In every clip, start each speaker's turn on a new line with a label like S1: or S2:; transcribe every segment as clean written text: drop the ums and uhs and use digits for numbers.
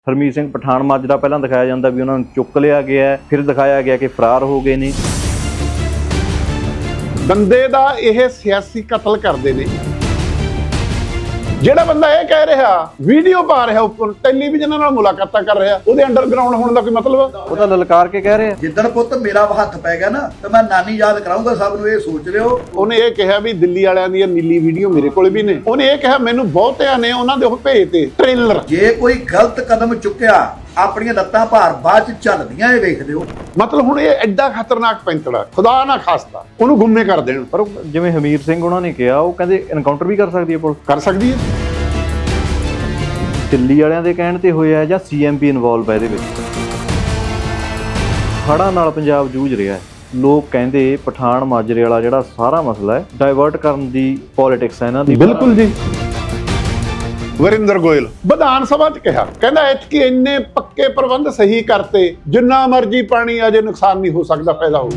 S1: ਹਰਮੀਤ ਸਿੰਘ ਪਠਾਨ ਮਾਜਰਾ ਪਹਿਲਾਂ ਦਿਖਾਇਆ ਜਾਂਦਾ ਵੀ ਉਹਨਾਂ ਨੂੰ ਚੁੱਕ ਲਿਆ ਗਿਆ, ਫਿਰ ਦਿਖਾਇਆ ਗਿਆ ਕਿ ਫਰਾਰ ਹੋ ਗਏ ਨੇ।
S2: ਬੰਦੇ ਦਾ ਇਹ ਸਿਆਸੀ ਕਤਲ ਕਰਦੇ ਨੇ। ਜਿਹੜਾ ਬੰਦਾ ਇਹ ਕਹਿ ਰਿਹਾ, ਵੀਡੀਓ ਪਾ ਰਿਹਾ, ਉੱਪਰ ਟੈਲੀਵਿਜ਼ਨਾਂ ਨਾਲ ਮੁਲਾਕਾਤਾਂ ਕਰ ਰਿਹਾ, ਉਹਦੇ ਅੰਡਰਗਰਾਉਂਡ ਹੋਣ ਦਾ ਕੋਈ ਮਤਲਬ?
S1: ਉਹ ਤਾਂ ਲਲਕਾਰ ਕੇ ਕਹਿ ਰਿਹਾ
S3: ਜਿੱਦਣ ਪੁੱਤ ਮੇਰਾ ਹੱਥ ਪੈ ਗਿਆ ਨਾ ਤੇ ਮੈਂ ਨਾਨੀ ਯਾਦ ਕਰਾਉਂਗਾ ਸਭ ਨੂੰ। ਇਹ ਸੋਚ ਲਿਓ।
S2: ਉਹਨੇ ਇਹ ਕਿਹਾ ਵੀ ਦਿੱਲੀ ਵਾਲਿਆਂ ਦੀ ਨੀਲੀ ਵੀਡੀਓ ਮੇਰੇ ਕੋਲ ਵੀ ਨੇ। ਉਹਨੇ ਇਹ ਕਿਹਾ ਮੈਨੂੰ ਬਹੁਤਿਆਂ ਨੇ ਉਹਨਾਂ ਦੇ ਉਹ ਭੇਜਤੇ ਟ੍ਰੇਲਰ।
S3: ਜੇ ਕੋਈ ਗਲਤ ਕਦਮ ਚੁੱਕਿਆ, ਆਪਣੀਆਂ ਲੱਤਾਂ ਭਾਰ ਬਾਅਦ ਚ ਚੱਲਦੀਆਂ, ਇਹ ਵੇਖ ਲਿਓ।
S2: ਮਤਲਬ ਹੁਣ ਇਹ ਐਡਾ ਖਤਰਨਾਕ ਪੈਂਤੜਾ, ਖੁਦਾ ਨਾ ਖਾਸਤਾ ਉਹਨੂੰ ਗੁੰਮੇ ਕਰ ਦੇਣ।
S1: ਪਰ ਜਿਵੇਂ ਹਮੀਰ ਸਿੰਘ ਉਹਨਾਂ ਨੇ ਕਿਹਾ, ਉਹ ਕਹਿੰਦੇ ਐਨਕਾਊਂਟਰ ਵੀ ਕਰ ਸਕਦੀ ਹੈ ਪੁਲਿਸ।
S2: ਕਰ ਸਕਦੀ ਹੈ।
S1: ਦਿੱਲੀ ਵਾਲਿਆਂ ਦੇ ਕਹਿਣ ਤੇ ਹੋਇਆ ਜਾਂ ਸੀਐਮਪੀ ਇਨਵੋਲਵ ਹੈ ਇਹਦੇ ਵਿੱਚ? ਹੜ੍ਹਾਂ ਨਾਲ ਪੰਜਾਬ ਜੂਝ ਰਿਹਾ ਹੈ। ਲੋਕ ਕਹਿੰਦੇ ਪਠਾਨ ਮਾਜਰੇ ਵਾਲਾ ਜਿਹੜਾ ਸਾਰਾ ਮਸਲਾ ਹੈ, ਡਾਇਵਰਟ ਕਰਨ ਦੀ ਪੋਲਿਟਿਕਸ ਹੈ ਇਹਨਾਂ ਦੀ।
S2: ਬਿਲਕੁਲ ਜੀ। ਵਰਿੰਦਰ ਗੋਇਲ ਵਿਧਾਨ ਸਭਾ 'ਚ ਕਿਹਾ, ਕਹਿੰਦਾ ਐਤਕੀ ਇੰਨੇ ਪੱਕੇ ਪ੍ਰਬੰਧ ਸਹੀ ਕਰਤੇ, ਜਿੰਨਾ ਮਰਜ਼ੀ ਪਾਣੀ ਆ ਜੇ ਨੁਕਸਾਨ ਨਹੀਂ ਹੋ ਸਕਦਾ, ਫਾਇਦਾ ਹੋਊ।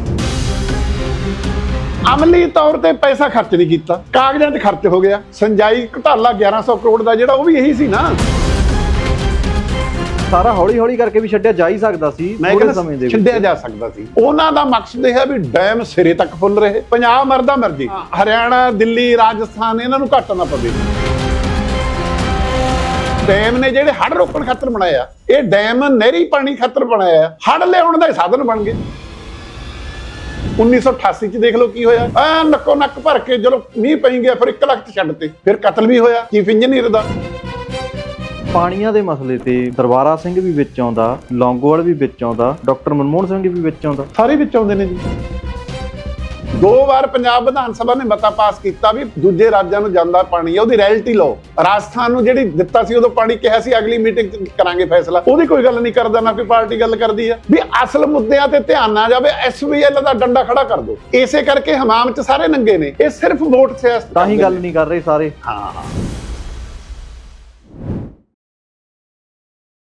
S2: ਅਮਲੀ ਤੌਰ ਤੇ ਪੈਸਾ ਖਰਚ ਨਹੀਂ ਕੀਤਾ, ਕਾਗਜ਼ਾਂ 'ਚ ਖਰਚ ਹੋ ਗਿਆ। ਸਿੰਜਾਈ ਘੁਟਾਲਾ 1100 ਕਰੋੜ ਦਾ ਜਿਹੜਾ, ਉਹ ਵੀ ਇਹੀ ਸੀ ਨਾ।
S1: ਸਾਰਾ ਹੌਲੀ ਹੌਲੀ ਕਰਕੇ ਵੀ ਛੱਡਿਆ ਜਾ ਹੀ ਸਕਦਾ ਸੀ, ਥੋੜੇ ਸਮੇਂ ਦੇ ਵਿੱਚ
S2: ਛੱਡਿਆ ਜਾ ਸਕਦਾ ਸੀ। ਉਹਨਾਂ ਦਾ ਮਕਸਦ ਇਹ ਹੈ ਵੀ ਡੈਮ ਸਿਰੇ ਤੱਕ ਫੁੱਲ ਰਹੇ, ਪੰਜਾਬ ਮਰਦਾ ਮਰਜੀ, ਹਰਿਆਣਾ, ਦਿੱਲੀ, ਰਾਜਸਥਾਨ ਇਹਨਾਂ ਨੂੰ ਘੱਟ ਨਾ ਪਵੇ। ਡੈਮ ਨੇ ਜਿਹੜੇ ਹੜ੍ਹ ਰੋਕਣ ਖਾਤਰ ਬਣਾਇਆ, ਇਹ ਡੈਮ ਨਹਿਰੀ ਪਾਣੀ ਖਾਤਰ ਬਣਾਇਆ, ਹੜ੍ਹ ਲਿਆਉਣ ਦਾ ਸਾਧਨ ਬਣ ਗਏ। 1988 ਚ ਦੇਖ ਲਓ ਕੀ ਹੋਇਆ, ਐ ਨੱਕੋ ਨੱਕ ਭਰ ਕੇ ਜਦੋਂ ਮੀਂਹ ਪਈ ਗਿਆ, ਫਿਰ 1 ਲੱਖ ਛੱਡ ਤੇ, ਫਿਰ ਕਤਲ ਵੀ ਹੋਇਆ ਚੀਫ ਇੰਜੀਨੀਅਰ ਦਾ।
S1: ਪਾਣੀਆਂ ਦੇ ਮਸਲੇ ਤੇ ਦਰਬਾਰਾ ਸਿੰਘ ਵੀ ਵਿੱਚ ਆਉਂਦਾ, ਲੌਂਗੋਵਾਲ ਵੀ ਵਿੱਚ ਆਉਂਦਾ, ਡਾਕਟਰ ਮਨਮੋਹਨ ਸਿੰਘ ਵੀ ਵਿੱਚ ਆਉਂਦਾ,
S2: ਸਾਰੇ ਵਿੱਚ ਆਉਂਦੇ ਨੇ ਜੀ। 2 ਵਾਰ ਪੰਜਾਬ ਵਿਧਾਨ ਸਭਾ ਨੇ ਮਤਾ ਪਾਸ ਕੀਤਾ ਵੀ ਦੂਜੇ ਰਾਜਾਂ ਨੂੰ ਜਾਂਦਾ ਪਾਣੀ ਹੈ, ਉਹਦੀ ਰੈਇਲਟੀ ਲਓ। ਰਾਜਸਥਾਨ ਨੂੰ ਜਿਹੜੀ ਦਿੱਤਾ ਸੀ, ਉਦੋਂ ਪਾਣੀ ਕਿਹਾ ਸੀ ਅਗਲੀ ਮੀਟਿੰਗ ਕਰਾਂਗੇ ਫੈਸਲਾ, ਉਹਦੀ ਕੋਈ ਗੱਲ ਨਹੀਂ ਕਰਦਾ, ਨਾ ਕੋਈ ਪਾਰਟੀ ਗੱਲ ਕਰਦੀ ਹੈ। ਵੀ ਅਸਲ ਮੁੱਦਿਆਂ ਤੇ ਧਿਆਨ ਨਾ ਜਾਵੇ, SVL ਦਾ ਡੰਡਾ ਖੜਾ ਕਰ ਦਿਓ। ਇਸੇ ਕਰਕੇ ਹਮਾਮ 'ਚ ਸਾਰੇ ਨੰਗੇ ਨੇ, ਇਹ ਸਿਰਫ ਵੋਟ ਸਿਆਸਤ
S1: ਤਾਂ ਹੀ ਗੱਲ ਨਹੀਂ ਕਰ ਰਹੇ ਸਾਰੇ।
S2: ਹਾਂ।